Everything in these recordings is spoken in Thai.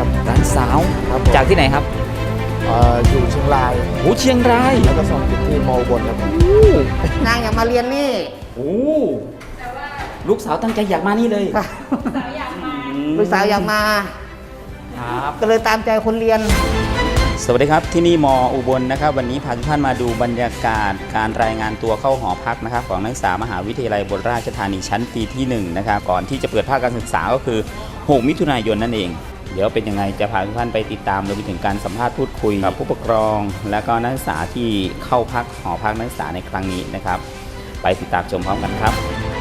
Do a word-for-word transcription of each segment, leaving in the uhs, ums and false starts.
ครับหลานสาวครับจากที่ไหนครับเอ่ออยู่เชียงรายโอ้เชียงรายแล้วก็สอบติดที่มออุบลครับผมนางอยากมาเรียนนี่โอ้ลูกสาวตั้งใจอยากมานี่เลยลูกสาวอยากมาครับก็เลยตามใจคนเรียนสวัสดีครับที่นี่มออุบลนะครับวันนี้พาทุกท่านมาดูบรรยากาศการรายงานตัวเข้าหอพักนะครับของนักศึกษามหาวิทยาลัยอุบลราชธานีชั้นปีที่หนึ่งนะครับก่อนที่จะเปิดภาคการศึกษาก็คือหกมิถุนายนนั่นเองเดี๋ยวเป็นยังไงจะพาทุกท่านไปติดตามรวมไปถึงการสัมภาษณ์พูดคุยกับผู้ปกครอง และก็นักศึกษาที่เข้าพักหอพักนักศึกษาในครั้งนี้นะครับไปติดตามชมพร้อมกันครับ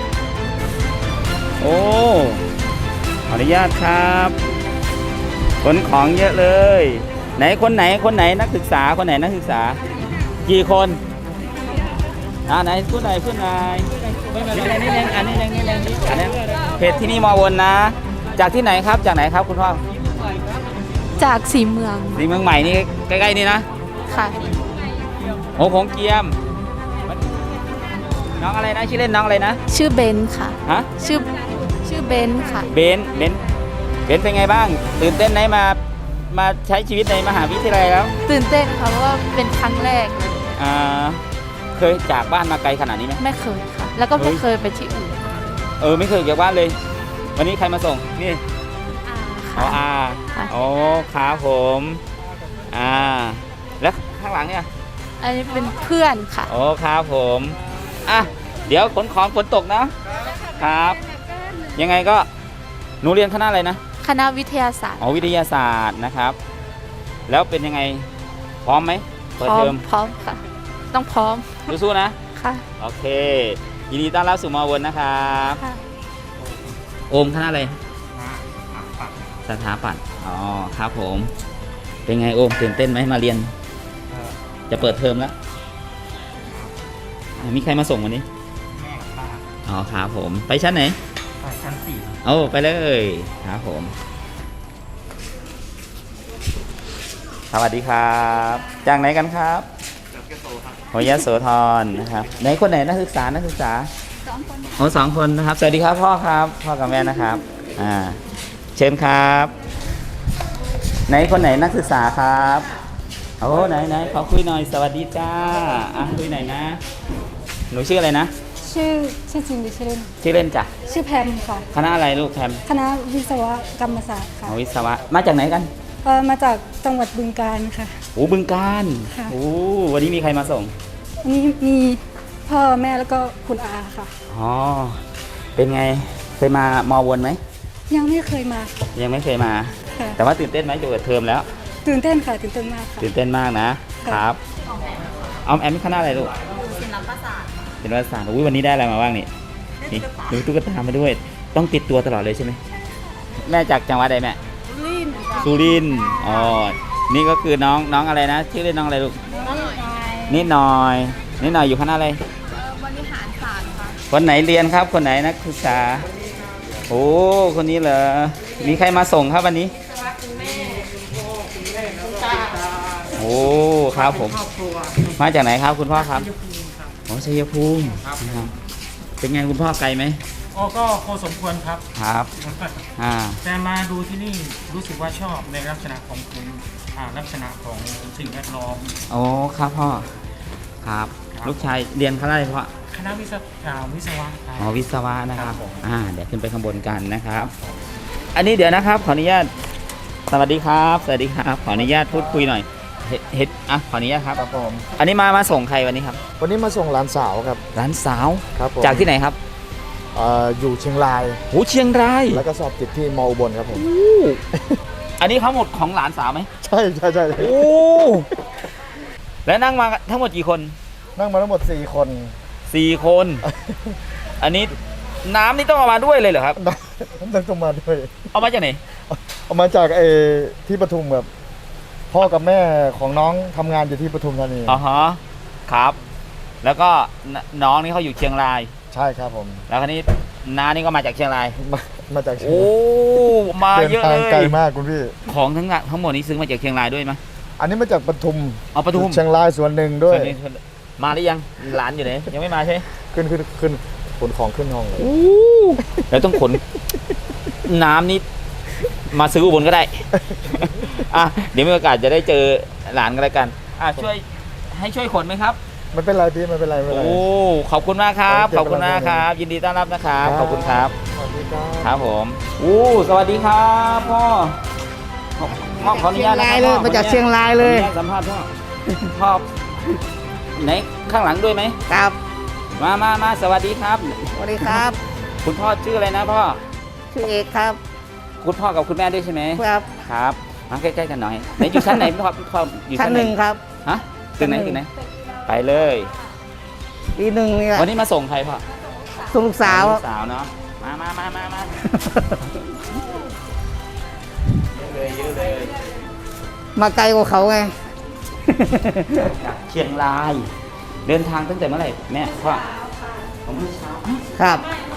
โอ้ขออนุญาตครับขนของเยอะเลยไหนคนไหนคนไหนนักศึกษาคนไหนนักศึกษากี่คนอ่าไหนพูดไหนพูดไหนนี่นี่นี่อันนี้นี่นี่นี่อันนี้เพจที่นี่มอวนนะ จากที่ไหนครับจากไหนครับคุณพ่อจากสีเมืองสีเมืองใหม่นี่ใกล้ๆนี่นะค่ะโอ้ของเกียมน้องอะไรนะชื่อเล่นน้องอะไรนะชื่อเบนค่ะฮะชื่อชื่อเบนค่ะเบนเบนเบนเป็นไงบ้างตื่นเต้นไหมมามาใช้ชีวิตในมหาวิทยาลัยแล้วตื่นเต้นค่ะเพราะว่าเป็นครั้งแรกอ่าเคยจากบ้านมาไกลขนาดนี้ไหมไม่เคยค่ะ แล้วก็เฮ้ไม่ยเคยไปที่อื่นเออไม่เคยจากบ้านเลย วันนี้ใครมาส่งนี่ อ๋อค่ะอาค่ะโอ้ครับผมอ่าแล้วข้างหลังเนี่ยอันนี้เป็นเพื่อนค่ะโอ้ครับผมอ่ะเดี๋ยวขนของฝนตกนะครับ ยังไงก็หนูเรียนคณะอะไรนะคณะวิทยาศาสตร์อ๋อวิทยาศาสตร์นะครับ แล้วเป็นยังไงพร้อมไหมพเปิดร้อเทอมมพร้อมค่ะ ต้องพร้อมสู้ๆนะค่ะโอเคยินดีต้อนรับสู่มอวนนะครับค่ะโอมคณะอะไรสถาปัตย์อ๋อครับผม เป็นไงโอมตื่นเต้นไหมมาเรียน จะเปิดเทอมแล้วอ่ะมีใครมาส่งวันนี้แม่กับป้าอ๋อครับผม ไปชั้นไหนไปชั้นสี่โอ้ไปเลยครับผม สวัสดีครับ จากไหนกันครับจากเกโซครับโหยโสธรนะครับไหนคนไหนนักศึกษานักศึกษาสองคนโอ้สองคนนะครับ สวัสดีครับพ่อครับพ่อกับแม่นะครับอ่าเชิญครับ ไหนคนไหนนักศึกษาครับโอ้ไหนไหนขอคุยหน่อยสวัสดีจ้าอ่ะคุยหน่อยนะ หนูชื่ออะไรนะชื่อชื่อจริงหรือชื่อเล่นชื่อเล่นจ้ะชื่อแพมค่ะคณะอะไรลูกแพมคณะวิศวกรรมศาสตร์ค่ะอ๋อวิศวะมาจากไหนกันเอ่อมาจากจังหวัดบึงกาฬค่ะโอ้บึงการค่ะโอ้วันนี้มีใครมาส่งวันนี้มีพ่อแม่แล้วก็คุณอาค่ะอ๋อเป็นไงเคยมามอวนไหมยังไม่เคยมาค่ะยังไม่เคยมาค่ะแต่ว่าตื่นเต้นไหมจะเปิดเทอมแล้วตื่นเต้นค่ะตื่นเต้นมากค่ะตื่นเต้นมากนะค่ะครับออมแอมคณะอะไรลูกศิลปศาสตร์ศิลปศาสตร์อุ้ยวันนี้ได้อะไรมาบ้างนี่นี่ดูตุ๊กตามาด้วย ต้องติดตัวตลอดเลยใช่ไหมแม่จากจังหวัดใดแม่สุรินทร์อ๋อนี่ก็คือน้องน้องอะไรนะชื่อเล่นน้องอะไรลูกนิดหน่อยนิดหน่อยอยู่คณะอะไรบริหารศาสตร์ค่ะคนไหนเรียนครับคนไหนนักศึกษาโอ้คนนี้เหรอมีใครมาส่งครับวันนี้โอ้ครับผมมาจากไหนครับคุณพ่อครับโอ้ชัยภูมิครับเป็นไงคุณพ่อไกลไหมอ๋อก็พอสมควรครับครับอ่าแต่มาดูที่นี่รู้สึกว่าชอบในลักษณะของคุณอ่าลักษณะของสิ่งแวดล้อมโอ้ครับพ่อครับลูกชายเรียนคณะอะไรพ่อคณะวิศวอ่าวิศวะครับอ๋อวิศวะนะครับครับผมอ่าเดี๋ยวขึ้นไปข้างบนกันนะครับ อันนี้เดี๋ยวนะครับขออนุญาตสวัสดีครับสวัสดีครับขออนุญาตพูดคุยหน่อยเฮ็ดเฮ็ดอ่ะขออนุญาตครับครับผมอันนี้มามาส่งใครวันนี้ครับวันนี้มาส่งหลานสาวครับร้านสาวครับผมจากที่ไหนครับเอ่ออยู่เชียงรายโหเชียงรายแล้วก็สอบติดที่มออุบลครับผมอันนี้เขาหมดของหลานสาวไหมใช่ใช่ใช่โอ้แล้วนั่งมาทั้งหมดกี่คนนั่งมาทั้งหมดสี่คนสี่คน อันนี้น้ำนี่ต้องเอามาด้วยเลยเหรอครับนั่งต้องมาด้วยเอามาจากไหนเอามาจากเออที่ปทุมครับพ่อกับแม่ของน้องทำงานอยู่ที่ปทุมธานีอ๋อฮะครับ แล้วก็นน้องนี่เขาอยู่เชียงรายใช่ครับผมแล้วคราวนี้น้านี่ก็มาจากเชียงรายมามาจากเชียงโอ้รายมาเดินเยอะทางเลไกลยมากคุณพี่ของทั้งงานทั้งหมดนี้ซื้อมาจากเชียงรายด้วยไหมอันนี้มาจากปทุมเอาปทุมเชียงรายส่วนหนึ่งด้วยส่วนนี้ส่วนมาหรือยังหลานอยู่ไหนยังไม่มาใช่ไหมขึ้นขึ้นขึ้นขนของขึ้นห้องเลยแล้วต้องขน น้ำนี่มาซื้ออุบลก็ได้ อ่ะเดี๋ยวมีโอกาสจะได้เจอหลานกันแล้วกันอ่ะช่วยให้ช่วยขนไหมครับไม่เป็นไรพี่ไม่เป็นไรไม่เป็นไรโอ้ขอบคุณมากครับขขออบบ คุคุณ ณมามาก กคครัรับ บ ยินดีต้อนรับนะครับขอบคุณครับสวัสดีครับครับผมอู้สวัสดีครับพ่อพ่อขออนุญาตนะเชียงรายเลยมาจากเชียงรายเลยขออนุญาตสัมภาษณ์พ่อพ่อไหนข้างหลังด้วยไหมครับมามามาสวัสดีครับสวัสดีครับคุณพ่อชื่ออะไรนะพ่อชื่อเอกครับคุณพ่อกับคุณแม่ด้วยใช่ไหมครับครับมาใกล้ๆกันหน่อยไหนอยู่ชั้นไหนพ่อพ่ออยู่ชั้นชั้นหนึ่งครับฮะตึกไหนชั้นหนึ่งตึกไหนไปเลยปีหนึ่งเนี่ยวันนี้มาส่งใครพ่อส่งลูกสาวลูกสาวเนาะมามามามามาเยอะเลยเยอะเลยมาไกลกว่าเขาไงจากเชียงราย เดินทางตั้งแต่เมื่อไหร่แม่พ่อผมเมื่อเช้าครับ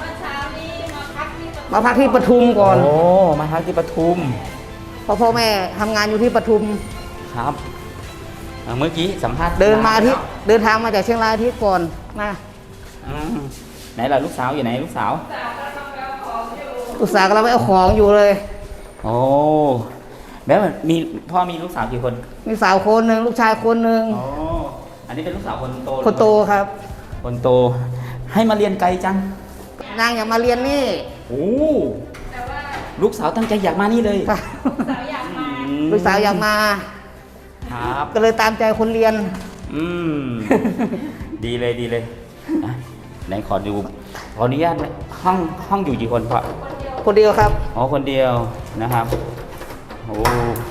มาพักที่ปทุมก่อนโอ้มาพักที่ปทุมเพราะพ่อแม่ทำงานอยู่ที่ปทุมครับอ่าเมื่อกี้สัมภาษณ์เดินมาอาที่เดินทางมาจากเชียงรายอาที่ก่อนมาอืมไหนล่ะลูกสาวอยู่ไหนลูกสาวลูกสาวกำลังไปเอาของอยู่เลยโอ้แล้วมีพ่อมีลูกสาวกี่คนมีสาวคนหนึ่งลูกชายคนหนึ่งอ๋ออันนี้เป็นลูกสาวคนโตคนโตครับคนโต ให้มาเรียนไกลจังนางอยากมาเรียนนี่โอ้ลูกสาวตั้งใจอยากมานี่เลยครับอืมลูกสาวอยากมาครับก็เลยตามใจคนเรียนอืม ดีเลยดีเลยอ่ะไหนขอดูขออนุญาตนะห้องห้องอยู่กี่คนพ่อคนเดียวครับอ๋อคนเดียวนะครับโอ้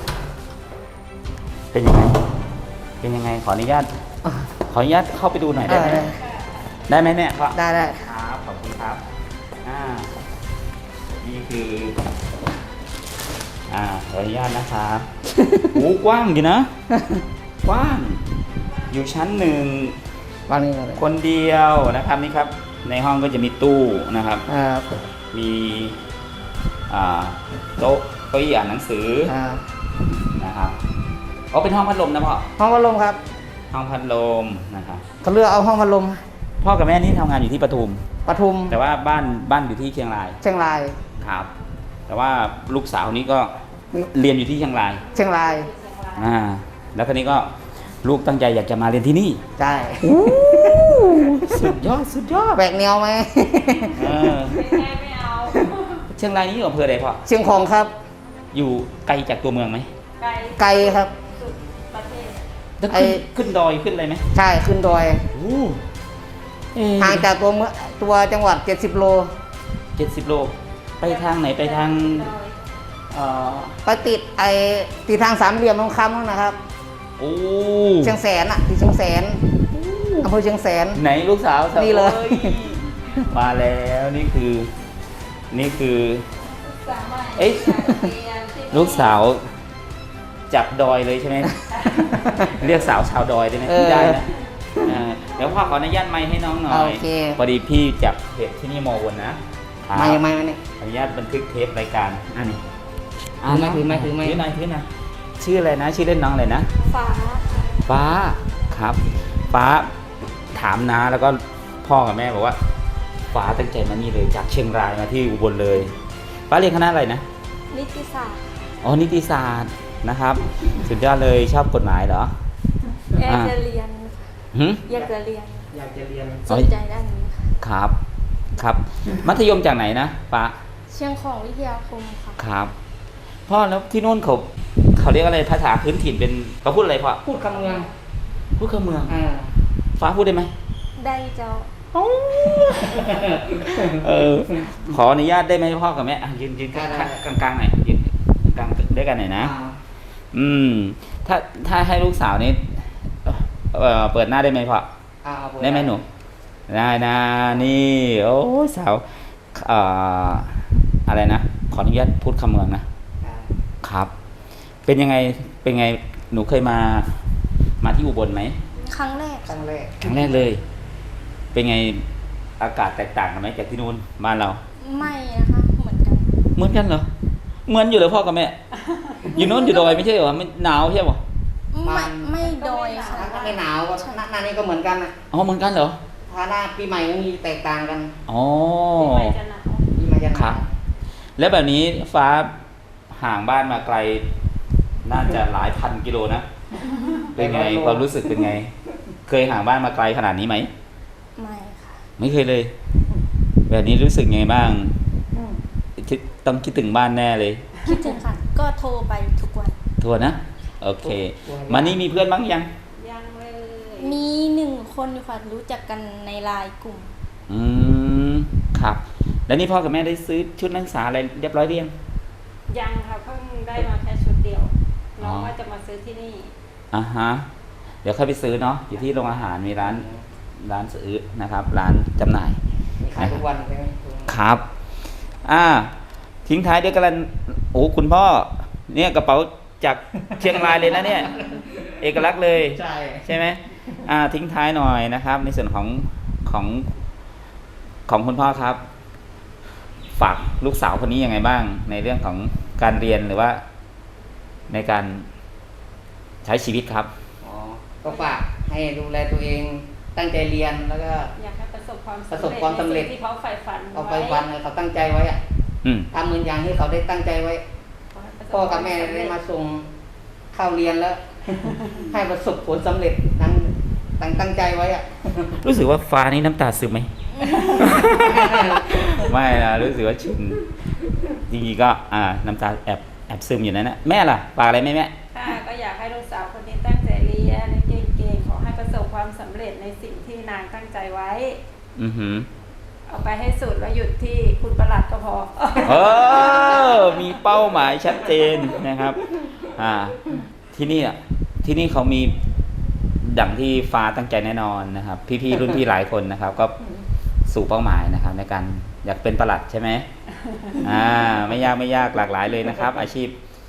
เป็นยังไงเป็นยังไงขออนุญาตขออนุญาตเข้าไปดูหน่อยได้ไหมได้ได้ไหมแม่พ่อได้ได้ครับขอบคุณครับอ่านี่คืออ่าขออนุญาตนะครับ โอ้กว้างอยู่นะ กว้าง อยู่ชั้นหนึ่งวางนี่เลยคนเดียวนะครับนี่ครับ ในห้องก็จะมีตู้นะครับครับมีอ่าโต๊ะเก้าอี้อ่านหนังสือครับนะครับอ๋อเป็นห้องพัดลมนะพ่อห้องพัดลมครับห้องพัดลมนะครับเขาเลือกเอาห้องพัดลมพ่อกับแม่นี่ทำงานอยู่ที่ปทุมปทุมแต่ว่าบ้านบ้านอยู่ที่เชียงรายเชียงรายครับ แต่ว่าลูกสาวนี้ก็เรียนอยู่ที่เชียงรายเชียงรายอ่าแล้วคนนี้ก็ลูกตั้งใจอยากจะมาเรียนที่นี่ใช่สุดยอดสุดยอดแบกแนวไหมเออเชียงรายนี่อยู่อำเภออะไรพ่อเชียงของครับอยู่ไกลจากตัวเมืองไหมไกลครับแล้วไอ้ขึ้นขึ้นดอยขึ้นอะไรไหมใช่ขึ้นดอยโอ้เอ๊ะห่างจากตัวเมืองตัวจังหวัดเจ็ดสิบโลเจ็ดสิบโล ไปทางไหนไปทางเอ่อไปติดไอ้ติดทางสามเหลี่ยมทองคำนั่นนะครับโอ้เชียงแสนอ่ะที่เชียงแสนอำเภอเชียงแสนไหนลูกสาวสาวนี่เลยโอ้มาแล้วนี่คือ นี่คือเอ๊ะลูกสาวจับดอยเลยใช่ไหม เรียกสาวชาวดอยได้ไหมเออได้นะอ่าเดี๋ยวพ่อขออนุญาตไมค์ให้น้องหน่อยโอเคพอดีพี่จับเพจที่นี่โมวนนะมายังไงมาเนี่ยขออนุญาตบันทึกเทปรายการอันนี้ถือไมค์ถือไมค์ถือไมค์ถือหน่อยถือหน่อยชื่ออะไรนะ ชื่อเล่นน้องอะไรนะฟ้าฟ้าครับ ฟ้าถามนะแล้วก็พ่อกับแม่บอกว่า ฟ้าตั้งใจมานี่เลยจากเชียงรายมาที่อุบลเลย ฟ้าเรียนคณะอะไรนะนิติศาสตร์อ๋อนิติศาสตร์นะครับ สุดยอดเลยชอบกฎหมายเหรออยากจะเรียนหึอยากจะเรียนอยากจะเรียนสนใจด้านนี้ค่ะครับครับ มัธยมจากไหนนะฟ้าเชียงของวิทยาคมค่ะครับพ่อแล้วที่นู่นเขาเขาเรียกอะไรภาษาพื้นถิ่นเป็นเขาพูดอะไรพ่อพูดคำเมืองพูดคำเมืองอ่าฟ้าพูดได้ไหมได้เจ้าเออขออนุญาตได้ไหมพ่อกับแม่อ่ะยืนยืนกลางกลางกลางๆหน่อยยืนกลางๆด้วยกันหน่อยนะ อืม ถ้าถ้าให้ลูกสาวนี้เอ่อเปิดหน้าได้ไหมพ่ออ่าเอาเปิได้ไหมหนูได้นะนี่ โอ้ยสาวเอ่ออะไรนะขออนุญาตพูดคำเมืองนะอ่าครับ เป็นยังไงเป็นไงหนูเคยมามาที่อุบลไหมครั้งแรกครั้งแรกครั้งแรกเลย เป็นไงอากาศแตกต่างกันไหมจากที่นู่นบ้านเราไม่นะคะเหมือนกันเหมือนกันเหรอ เหมือนอยู่เลยพ่อกับแม่ อยู่โน้นอยู่ดอยไม่ใช่เหรอไม่หนาวใช่ปะไม่ไม่โดยค่ะถ้าไม่หนาวก็หน้าหน้านี้ก็เหมือนกันนะอ๋อเหมือนกันเหรอถ้าหน้าปีใหม่มันมีแตกต่างกันอ๋อปีใหม่จะหครันาบวแล้วแบบนี้ฟ้าห่างบ้านมาไกล น่าจะหลายพันกิโลนะ เป็นไงความรู้สึกเป็นไง เคยห่างบ้านมาไกลขนาดนี้ไหมไม่ค่ะไม่เคยเลย แบบนี้รู้สึกไงบ้างคิดต้องคิดถึงบ้านแน่เลยคิดถึงค่ะ ก็โทรไปทุกวันโทษนะ โอเค มานี่มีเพื่อนบ้างยังมีหนึ่งคนอยู่ค่ะรู้จักกันในไลน์กลุ่มอืมครับ แล้วนี่พ่อกับแม่ได้ซื้อชุดนักศึกษาอะไรเรียบร้อยหรือยังยังค่ะเพิ่งได้มาแค่ชุดเดียว น้องอ๋อว่าจะมาซื้อที่นี่อ่าฮะ เดี๋ยวค่อยไปซื้อเนาะ อยู่ที่โรงอาหารมีร้านร้านซื้อนะครับ ร้านจำหน่ายมีขายทุกวันใช่ไหมครับ อ่า ทิ้งท้ายด้วยกันโอ้คุณพ่อ เนี่ยกระเป๋าจากเชียงรายเลยนะเนี่ย เอกลักษณ์เลยใช่ใช่ไหมอ่า ทิ้งท้ายหน่อยนะครับ ในส่วนของของของคุณพ่อครับ ฝากลูกสาวคนนี้ยังไงบ้าง ในเรื่องของการเรียนหรือว่า ในการใช้ชีวิตครับอ๋อก็ฝากให้ดูแลตัวเองตั้งใจเรียนแล้วก็อยากให้ประสบความประสบความสำเร็จในสิ่งที่เขาใฝ่ฝันเอาไปวันเขาตั้งใจไว้อะอืมทำเหมือนอย่างที่เขาได้ตั้งใจไว้ขให้ประสพ่อกับแม่ได้มาส่งเข้าเรียนแล้ว ให้ประสบผลสำเร็จทั้งตั้งตั้งใจไว้อะรู้สึกว่าฟ้านี่น้ำตาซึมไหม ไม่นะรู้สึกว่าชินจริงๆก็อ่าน้ำตาแอบแอบซึมอยู่นั่นนะแม่ล่ะฝากอะไรไหมแม่ค่ะก็อยากให้ลูกสาวคนนี้ตั้งใจเรียนเก่งๆขอให้ประสบความสำเร็จในสิ่งที่นางตั้งใจไว้อือหือเอาไปให้สุดแล้วหยุดที่คุณประหลัดก็พอเออมีเป้าหมายชัดเจนนะครับ อ่า ที่นี่อ่ะที่นี่เขามีดั่งที่ฟ้าตั้งใจแน่นอนนะครับ พี่ๆรุ่นพี่หลายคนนะครับ ก็สู่เป้าหมายนะครับ ในการอยากเป็นประหลัดใช่ไหมอ่า ไม่ยากไม่ยากหลากหลายเลยนะครับ อาชีพ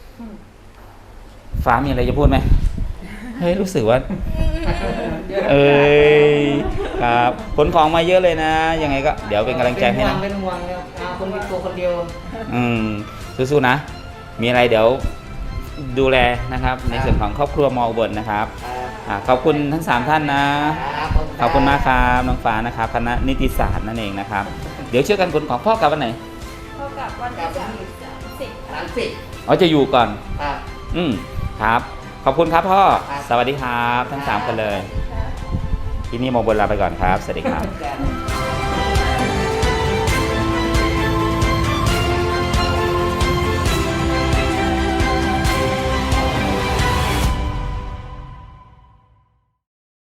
ฟ้ามีอะไรจะพูดไหมเฮ้ยรู้สึกว่า เอ้ยครับขนของมาเยอะเลยนะ ยังไงก็เดี๋ยวเป็นกำลังใจให้นะเป็นห่วงเลยเอาคนมีตัวคนเดียวอืมสู้ๆนะ มีอะไรเดี๋ยวดูแลนะครับ ในส่วนของครอบครัวมออุบลนะครับอ่าขอบคุณทั้งสามท่านนะ ขอบคุณมากครับน้องฟ้านะครับคณะนิติศาสตร์นั่นเองนะครับ เดี๋ยวช่วยกันขนของพ่อกลับวันไหนเท่ากับวันที่สามสิบสามสิบอ๋อจะอยู่ก่อนอ่าอืมครับ ขอบคุณครับพ่อครับสวัสดีครับ ทั้งสามคนเลย ที่นี่มออุบลลาไปก่อนครับ สวัสดีครับจ้ะ